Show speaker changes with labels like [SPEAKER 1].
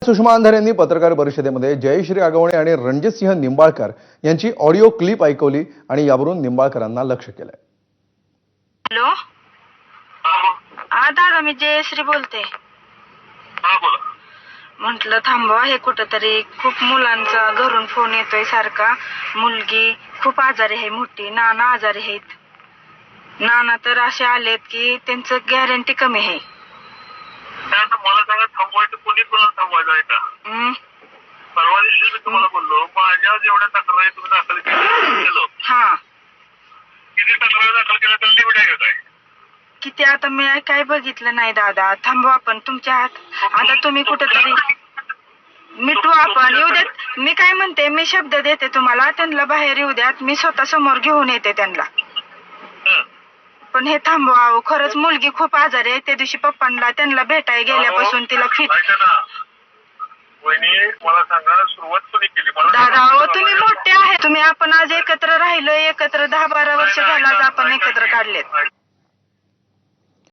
[SPEAKER 1] सुषमा अंधारे यांनी पत्रकार परिषदेमध्ये जयश्री आगवणे आणि रणजितसिंह निंबाळकर यांची ऑडिओ क्लिप ऐकवली आणि यावरून निंबाळकरांना लक्ष केलंय.
[SPEAKER 2] हॅलो, हा दादा, मी जयश्री बोलते. म्हटलं थांबवा, हे कुठंतरी खूप मुलांचा घरून फोन येतोय सारखा. मुलगी खूप आजारी आहे, मोठी नाना आजारी आहेत. नाना तर असे आलेत की त्यांचं गॅरंटी कमी आहे.
[SPEAKER 3] मला सांगा, थांबवायचं कोणी कोणाला थांबवायचं आहे का? परवा दिवशी मी तुम्हाला बोललो, माझ्या जेवढ्या तक्रारी तुम्ही दाखल केलं,
[SPEAKER 2] हा,
[SPEAKER 3] किती तक्रारी दाखल केल्या तर लिमिट आहे काय?
[SPEAKER 2] किती आता मी काय बघितलं नाही दादा. थांबवा आपण, तुमच्या हात आता तुम्ही कुठंतरी मिटवू आपण. येऊ देत. मी काय म्हणते, मी शब्द देते तुम्हाला, त्यांना बाहेर येऊ द्यात, मी स्वतः समोर घेऊन येते त्यांना. पण हे थांबवा. खरंच मुलगी खूप आजारी आहे. त्या दिवशी पप्पांना त्यांना भेटायला गेल्यापासून तिला फिट.
[SPEAKER 3] वहिनी, मला सांगा, सुरुवात कोणी केली?
[SPEAKER 2] दादा हो, तुम्ही मोठे आहे. तुम्ही आपण आज एकत्र राहिलो, एकत्र 10-12 वर्ष झाला, आज आपण एकत्र काढलेत.